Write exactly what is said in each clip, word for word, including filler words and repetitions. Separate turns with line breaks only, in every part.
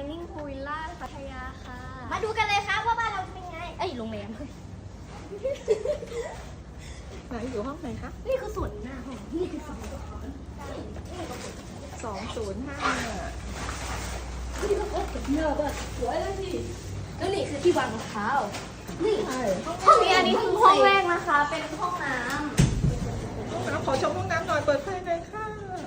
Dining Pool Villa พัทยาค่ะ
มาดูกันเลยครับว่าบ้านเราเป็นไง
เอ้ยโรงแรม
ไหนอยู่ห้องไหนคะ
นี่คือส่วนหน้าห้องนี่คือส่วน
สองศูนย์ห้า
นี่ก็โคตรเยอะแบบสวยเลยสิแล้วนี่คือที่วางรองเท้านี่
ใช่
ห้องนี้อันนี้คือห้องแรกนะคะ เป็นห้องน้
ห้องน้ำขอชมห้องน้ำหน่อยเปิดไฟเลยค่ะ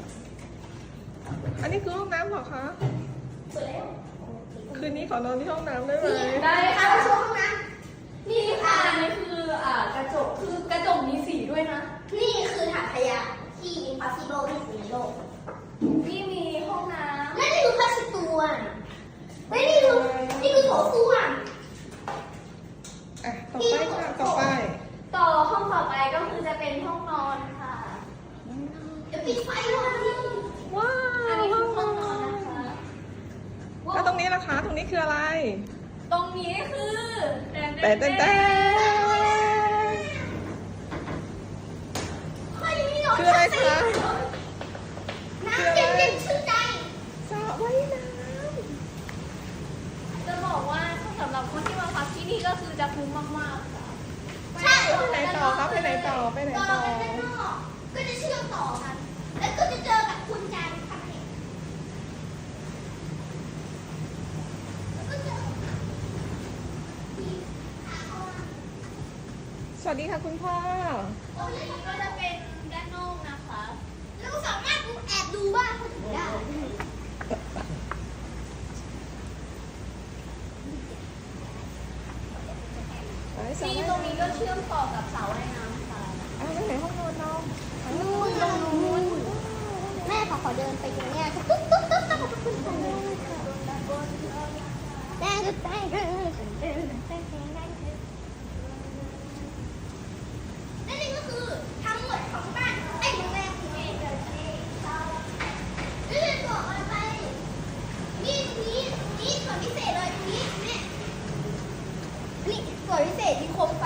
อันนี้คือห้องน้ำเหรอคะ
ำสวยแล้ว
คืนนี้ขอนอนที่ห้องน้ำได้ไหม
ได้ค่ะ
เอาชมห้องน้
นี่ค่ะอันนี้คืออ่ากระจกคือกระจกมีสีด้วยนะ
ำนี่คือถังขยะที่อิมพอสซิเบิลที่สุดในโลก
นี่มีห้องน้
และนี่คือผ้าเช็ดตัวและนี่คือนี่คือโถส้วม
อ่ะต่อไปค่ะต่อไป
ำต่อห้องต่อไปก็คือจะเป็นห้องนอนค่ะ
เดี๋ยวปิดไฟเลย
ว้า
อัน
ว
นี้คือห้องนอนนะคะ
แล้วตรงนี้ล่ะคะตรงนี้คืออะไร
ตรงนี้คือแดน
แต่แต่แต่
เฮ้ยมีหนอน
คืออะไรคะ
น้ำเย็นๆชื่นใจ
สระว่ายน้
จะบอกว่าสำหรับคนที่มาพักที่นี่ก็คือจะคุ้มมากๆค่ะ
ใช่
ำไปไหนต่อครับไปไหนต่อไปไหน
ต่อ
ต่อ
กันด้านนอกก็จะเชื่อมต่อกัน แล้วก็จะเจอกับคุณจันทร์ค่ะแล้วก็เจอที่อาคอน
สวัสดีค่ะคุณพ่อ
ตรงนี้ก็จะเป็นด้านนอกนะคะ
แล้วก็สามารถแอบดูบ้านคนอื่นได้
ไปสระ
ที่
ว่าย
ตรง
น้ำ
นี้ก็เชื่อมต่อกับสระว่ายน้ำค่ะ
อ่ะแล้วไหนห้องนอนน้อง
นู่นตรงนู้นแม่ขอขอเดินไปตรงเนี้ยตุ๊บตุ๊บตุ๊บตุ๊บตุ๊บตุ๊บตุ๊บแม่ก็แป้งแป้งแป้งแป้งแป้งแป้งและนี่ก็คือทั้งหมดของบ้านไอ้โรงแรมที่เองเดินเองเราเรื่องบอกอะไรไปนี่ตรงนี้ตรงนี้ส่วนพิเศษเลยตรงนี้แม่นี่ส่วนพิเศษที่ครบ